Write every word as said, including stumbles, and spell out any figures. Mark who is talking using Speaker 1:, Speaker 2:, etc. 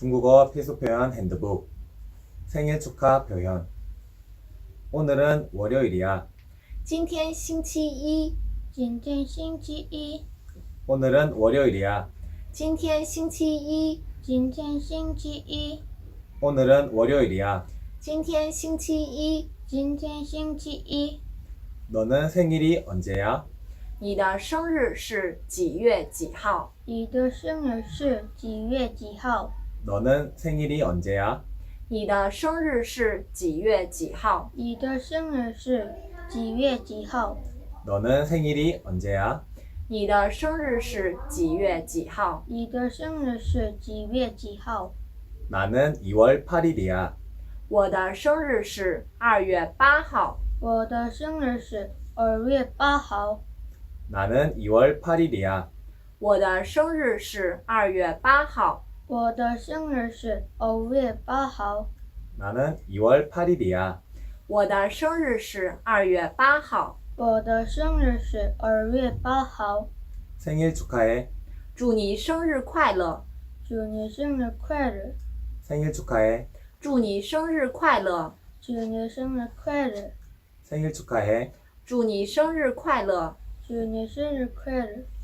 Speaker 1: 중국어 필수 표현 핸드북 생일 축하 표현 오늘은 월요일이야.
Speaker 2: 今天星期一，
Speaker 3: 今天星期一，
Speaker 1: 오늘은 월요일이야.
Speaker 2: 今天星期一，
Speaker 3: 今天星期一，
Speaker 1: 오늘은 월요일이야.
Speaker 2: 今天星期一。
Speaker 3: 今天星期一。
Speaker 1: 너는 생일이 언제야?
Speaker 2: 你的生日是几月几号？
Speaker 3: 你的生日是几月几号？
Speaker 1: 너는 생일이 언제야?
Speaker 2: 你的生日是几月几号？
Speaker 3: 你的生日是几月几号？
Speaker 1: 너는 생일이 언제야?
Speaker 2: 你的生日是几月几号？
Speaker 3: 你的生日是几月几号？
Speaker 1: 나는 이월 팔일이야.
Speaker 2: 我的生日是二月八号。
Speaker 3: 我的生日是二月八号。
Speaker 1: 나는 이월 팔일이야.
Speaker 2: 我的生日是二月八号。
Speaker 3: 我的生日是二月八号。
Speaker 1: 나는 이월 팔일이야.
Speaker 2: 我的生日是二月八号。
Speaker 3: 我的生日是二月八号。
Speaker 1: 생일 축하해.
Speaker 2: 祝你生日快乐！
Speaker 3: 祝你生日快乐！
Speaker 1: 생일 축하해.
Speaker 2: 祝你生日快乐！
Speaker 3: 祝你生日快乐！
Speaker 1: 생일 축하해.
Speaker 2: 祝你生日快乐！
Speaker 3: 祝你生日快乐！